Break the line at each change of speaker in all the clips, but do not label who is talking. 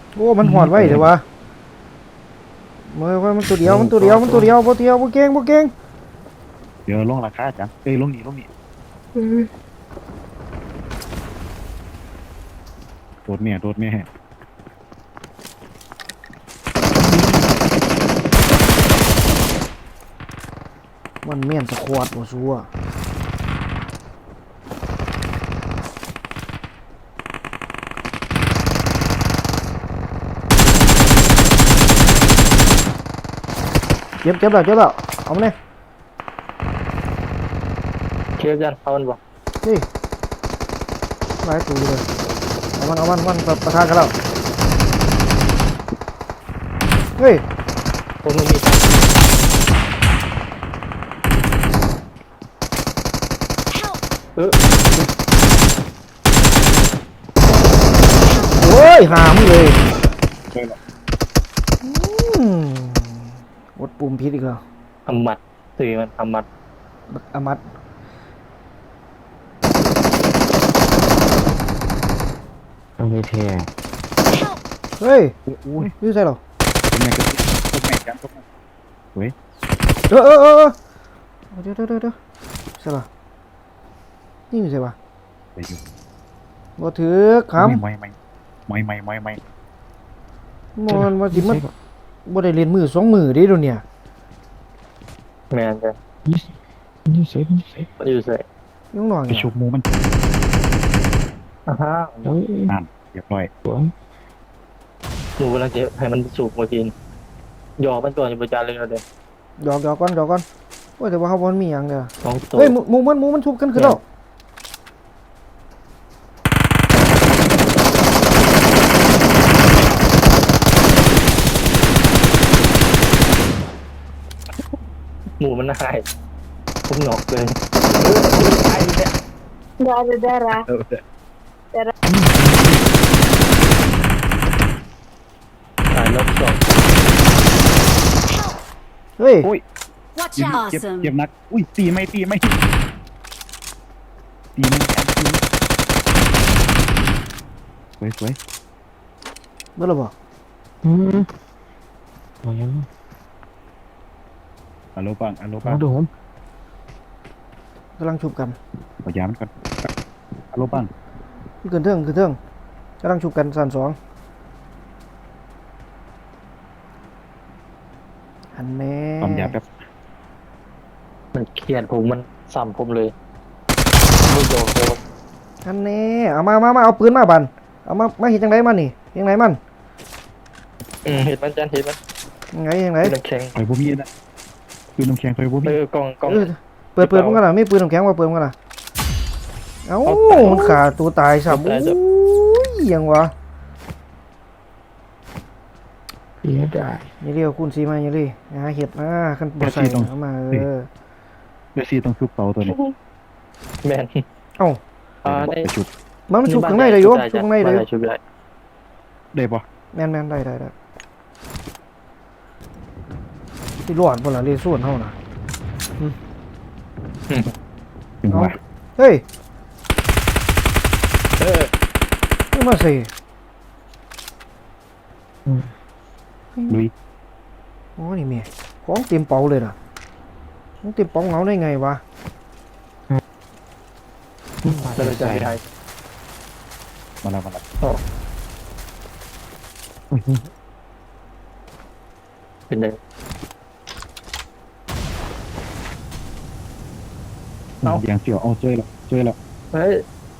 โอ้มันหอดไว้เดี๋ยววะเมื่อว่ามันตัวเดียวบ่เดียวบ่เก่ง
เดี๋ยวลงราคาจังลงนี่โดดแม่
มันเมียนสควอตบ่ซัวเจ็บแล้วเอามาเลย
เคลียร์กันเอามันบ่
เฮ้ยหลายตัวเลยเอามันประทานกันแล้วเฮ้ย
ผมไม่มีตังค์
Help!
โอ้ยหามเลย
ใช่หรอ
อืมกดปุ่มผิดอีกแล้ว
ทำหมัดสื่อมันทำหมัด
บักอามัด
ต้องมีแทง
Help!
เฮ้ย
อุ้ย
ยืดใส่หรอ
แม่ก็ตกแม่จังตกแม่เว้ย
เดี๋ยวใช่ป่ะนี่ใช่ป่ะ
ไปอยู่
บ่ถือคำ
ไม่
มันมาสิมันบ่ได้เล่นมือสองมือเด้เดี๋ยวเนี่ย
แมนจ้ะ
นี่เซฟ
มันอยู่ใส่
ยังน้อย
ไปชุบหมูมัน
อ่าฮะ
เฮ้ย
นั่นเรียบร้อย
สวย
หนูกำลังจะให้มันสูบมากินหยอกมันตัวอยู่ประจานเลยเราเด้
หยอกก่อนโอ้ยแต่ว่าเฮาบ่มีหยังเด้อ
สองตัว
เฮ้ยหมูมันชุบกันขึ้นแล้ว
หมูมันหายผมหนอกเลยตายเนี่ย
Darah.
ตายรอบสอง
Help!
เฮ้ย
อุ้ย
Watch
เจ็บ
out!
เจ็บ
Awesome.
เจ็บนักอุ้ยตีไม่ตีไม่สวย
เบิ่แล้วบ่
อืมโอ้ย
อัลโลปัง
มาดูผม
กำลังชุบกัน
ขอยามันก่อนอัลโลปัง
ขึ้นเทิงกำลังชุบกันสั่นสองอันแม่
ความยาแบบ
มันเครียดผมมันซ้ำผมเลยลูกโดนโดน
อันแน่เอามาเอาปืนมาบันเอามาเฮ็ดจังไดมันนี่ยังไงมัน
เห็นมันจันเห็นมัน
ยังไง
เป็นน้ำแข็ง
ไฟบ่มีนะคือน้ำแข็งไฟบ่มี
กล่อง
เออเปิดมันกันล่ะมีปืนน้ำแข็งว่าเปิดมันกันล่ะเอ้ามันขาตัวตายซ้ำโอ้ยยังวะ
เสียได้
อย่าเรียกคุณซีมาอย่าเลยหาเห็ดมาคันบ่ใส่เอามา
เดี๋ยวซีต้องชุบเตาตัวนี้
แมน
เอ้า
ได้
ไปชุบ
มันชุบข้างในได้อยู่ชุบข้างในได้อยู่
ชุบได้
ได้ปะ
แม่นได้ที่ร้อนพุ่นล่ะเรส่วนเฮาน่ะ
ถึงว่า
เฮ้ย
เออ
นี่มาสิ
ลุย
โอ้นี่แม่ของเต็มเป๋าเลยน่ะมันเต็มเป๋าเหงาได้ไงวะ
เราจะไปไทย
มาแล้ว
เป็นไง
อย่างเสียวเอาเจอแล้ว
เฮ้ย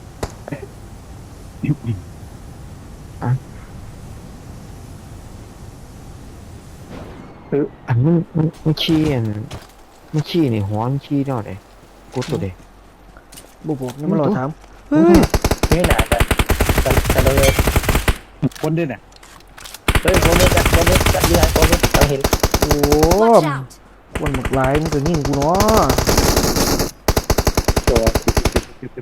อันมันขี้มันขี้นี่หัวมันขี้เนาะเด้กูตัวเด้
บุกนี่มันรอถามเฮ้ย
นี่หนากันเลย
คนด้วยเนี่ย
เฮ้ยผมจัดดีไอ้ผมต้องเห็น
โอ้
Watch out!
คนหมดลายมันก็ยิงกูเนาะ
ตัว
เจ็บ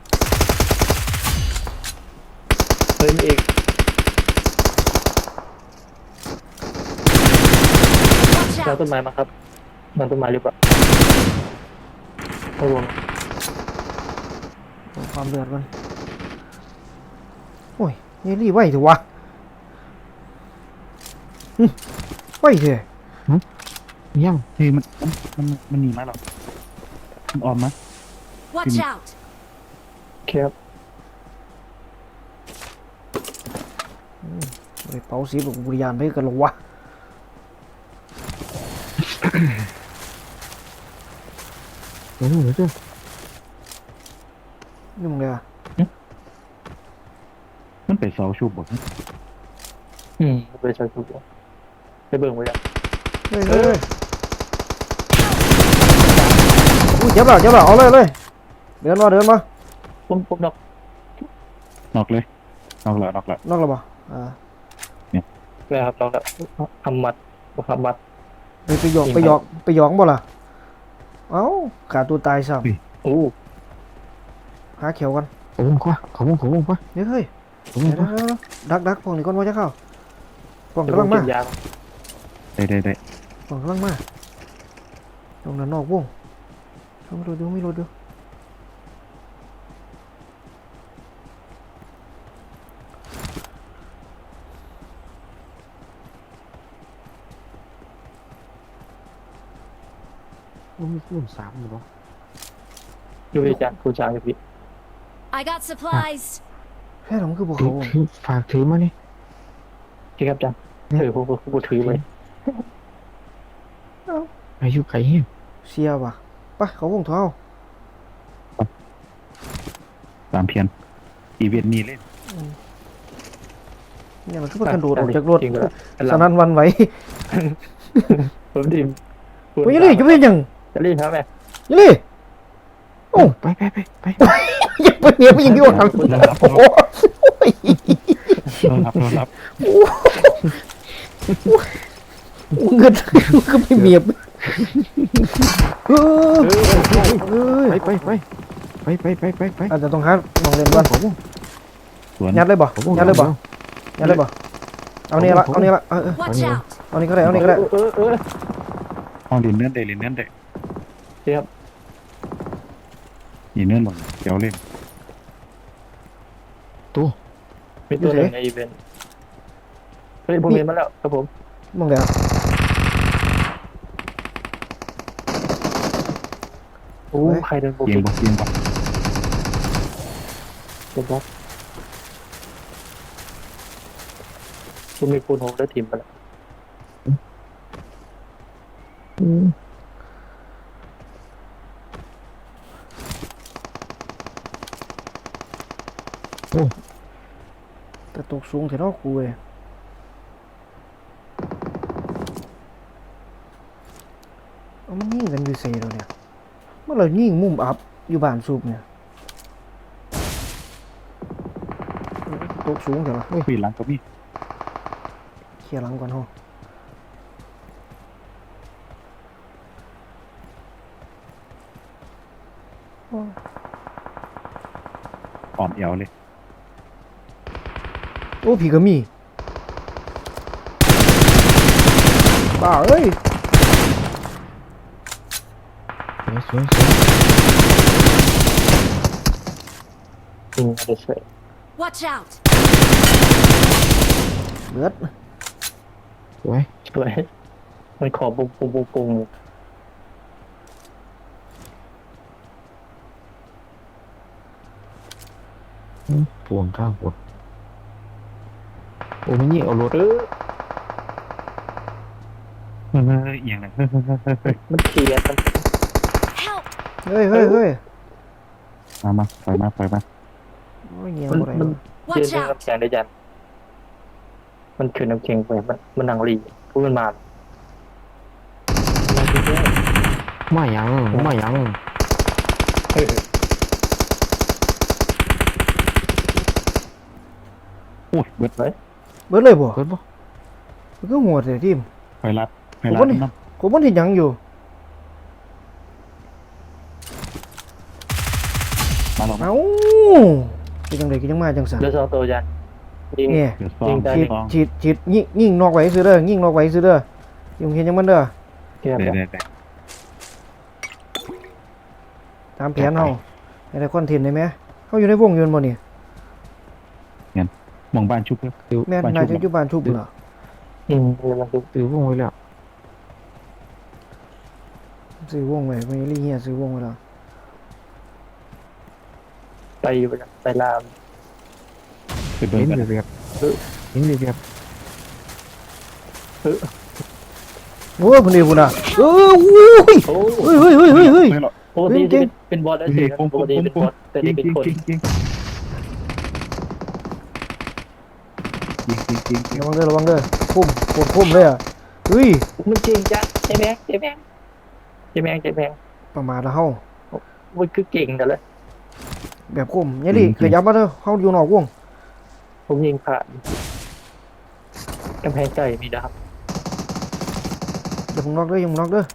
เฮ้ยอีก
Watch
เรา
out!
ต้นไม้มาครับมันต้นไม้หรือเปล่าไม่รวม
ความเดือดมันโอ้ยนี่รีบไหวเถอะวะไปเถอะ
ยัง
เฮ้ยมันหนีมาหรอมันออมมา
Watch out!
ครับ
ไปเป่าสีบอกบุริยานไปกันหรอวะ
เดี๋ยวเดี๋ยว
นี่มึงเลยอ่ะ
มันไปเสาชุบบ่
ไปใช้ทุกอย่างไปเบิ่งไว้ยัง
เฮ้ยเฮ้ยอุ้ยเจ็บแล้วเอาเลยเดินมา
ผมนอก
นอกเลยนอกแล้ว
นอกแล้วป่ะ
เลยครับนอกแล้วทำมัด
ไปหยอกบ่ล่ะเอ้าขาตัวตายซ้
โอ้
ำหาเขียวกัน
ขอบคุณป่ะ
เฮ้ย
ขอบคุณป่ะ
ดักพวกนี้ก่อนว่าจะเข้าพวก
เดี๋ยว
กำลัง
ผม
มา
กินยา
ได้
พวกกำลังมาตรงนั้นนอกวงไม่รู้ดู
มันมีรุ่น3อยู่ป่ะ
อยู่ที่จานคุณช้างอยู่พี่
I got supplies.
แค่หลงคือพวก
ถื
เขา
อฝากถือมานี่
ที่ครับจานผมถือไว้
อายุไก่เหี้ย
เสียป่ะไปเขาวงเท้า
ตามเพียนอีเวนต์นี้เล่น
เนี่ยมันคือมันกระโดดออกจากรถ
จริงเลย
สนั่นวันไหว
ผมทีม
โอ้ยนี่จะเป็นยัง
จะรีบครับแม่
นี่โอ้
ไป
ยังเป็นเมียผู้หญิงที่ว่าทำโอ้ย
รอรับ
เงินก็ไม่เมียเออ
ไป
อาจจะต้องหาลองเล่นก่อน
สวน
ยัดเลยบ่เอานี่ละ
Watch out!
เอานี่ก็ได้
ห้องดินเนื่อนได้ยินเนื่อนบ่เดี๋ยวเล่น
มีตัวหนึ่งในอีเวนต์เฮ้ยผมเห็นมาแล้วครับผม
มองแล้ว
โอ้ใครเดินโบ
เกีย
กิ
งบ่
เจ็บครับผมมีคูณ6ได้ทีมไปแล้ว
แต่ตกสูงแต่นอกกูเลยเอามันยิงกันอยู่เซ่แล้วเนี่ยเมื่อเรายิงมุมอัพอยู่บ้านสูบเนี่ยตกสูงเถอะ
ปีหลังก็มี
เคลียร์หลังก่อนฮะ
อ่อมเอวเลย
โอ้ผีก็มีบ้าเอ้ย
สวย
จริงอะไรเสร็จ
Watch out!
เลือด
สวย
สวยมันขอปุง
ปวงข้างปวดโอ้มันยิ่งเอารถ
เอียงเลย
มันเคลียร์มัน
Help!
เฮ้ย
มาปล่อยมา
โอ้ยเงี้ย
มัน
อะไร
มัน
Watch
เย็น
out!
น้ำแข็งได้ยันมันคือน้ำแข็งไปมันนั่งรีพูดมันมา
มายัง
โอ้ยเบิด
เบิดเลยบ่
เกิดปะ
มันก็หัวเสียทีม
ไฟรัดน้ำ
ผมมันเห็นยังอยู่
มาลอง
เอ้าเป็นจังไดก็ยังมาจังสัน
เดี๋ยวสองตัวยันยิง
เนี่ย
เดี๋ยวซอง
ฉีดยิงนอกไว้ซื้อเด้อยิงนอกไว้ซื้อเด้อยังเห็นยังมันเด้อ
เกียร์
ได้
ตามแผนเฮาให้ได้คอนเทนต์ได้ไหมเขาอยู่ในวงยืนบ่นี่
มองบ้านชุบเพื่อ
แม่นนายจะอยู่บ้านชุบเหรอ
มันดู
ซื้อวงไว้แล้ว
ซื้อวงไว้ไม่รีเฮียซื้อวงไว้แล้ว
ไปไปลาม
ไปเบิ่ง
เห็น
กัน
เรียบเห็นเรียบ
โอ้ยคนเดียวคุณอ่ะอุ้ย
โอ้
เฮ้ยเฮ้ยเฮ้ยเฮ้ยเฮ้ย
ไม่หรอก
ปกติเป็นบอสแล้วสิปกติเป็นบอสแต่
ยิ
นี่
ง
เป็น
ยิง
คน
ยิงยิงยิง
ระวังเด้อพุ่มปวดพุ่มเลยอ่ะเฮ้ย
มันจริงจ้ะใช่ไหมใช่ไหมใช่ไหมใช่ไหม
ประมาทละเฮา
มันคือเก่งกันเลย
แบบพุ่มเนี่ยดิขยับมาเด้อเฮาอยู่นอกวง
ผมยิงผ่านกำแพงไก่มีดาบ
อย่ามึงนอกเด้ออย่ามึงนอกเด้อ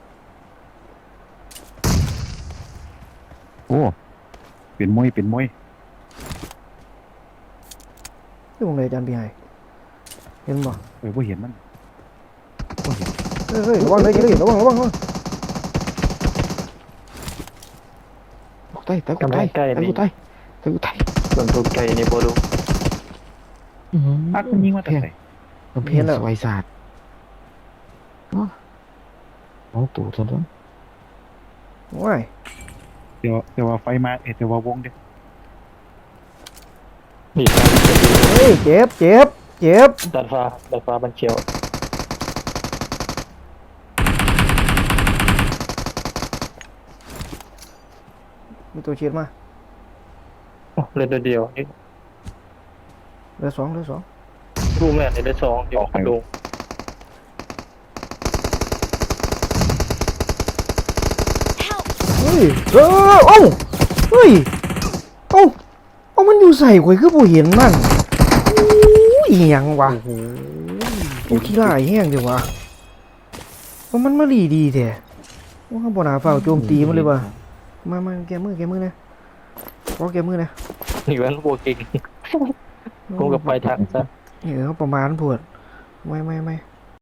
โอ้เป็นมวยเป็นมวย
นี่วงเลยอาจารย์พี่ให้เห็นบ่
บ่เห็นมันบ่เห็น
เฮ้ยระวังเลยอย่าเลยระวัง
ตกใต้ตะกุใต้ตะกุใต้ตะกุใต้
ส่วนตัวไก่ในโบดู
อักมันยิงมาแต่ไหน
มันเพี้ยนสวยศาสตร์น้องตู่ตัวนั้น
ว้าย
แต่ว่าไฟมาแต่ว่าวงเด้
นี่
เฮ้ยเจ็บ
ดาดฟ้าบันเขียว
มีตัวเชียดมา
เล่นเดียวนี่
เหลือสอง
รูแมนใน2เดี๋ยวพันลง
Help!
เฮ้ยเอ้าเฮ้ยเอ้ามันอยู่ใส่ข่อยคือบ่เห็นมันอู้ยหยังวะโอ้ขี้ร้ายแห้งเดี๋ยววะว่ามันมาดีแท้ว่าบ่น่าเฝ้าโจมตีมันเลยว่ะมาแกมือนะขอแกมือนะ
นี่วันโบกิงกูกับไปทางซะ
เขาประมาณปวดไม่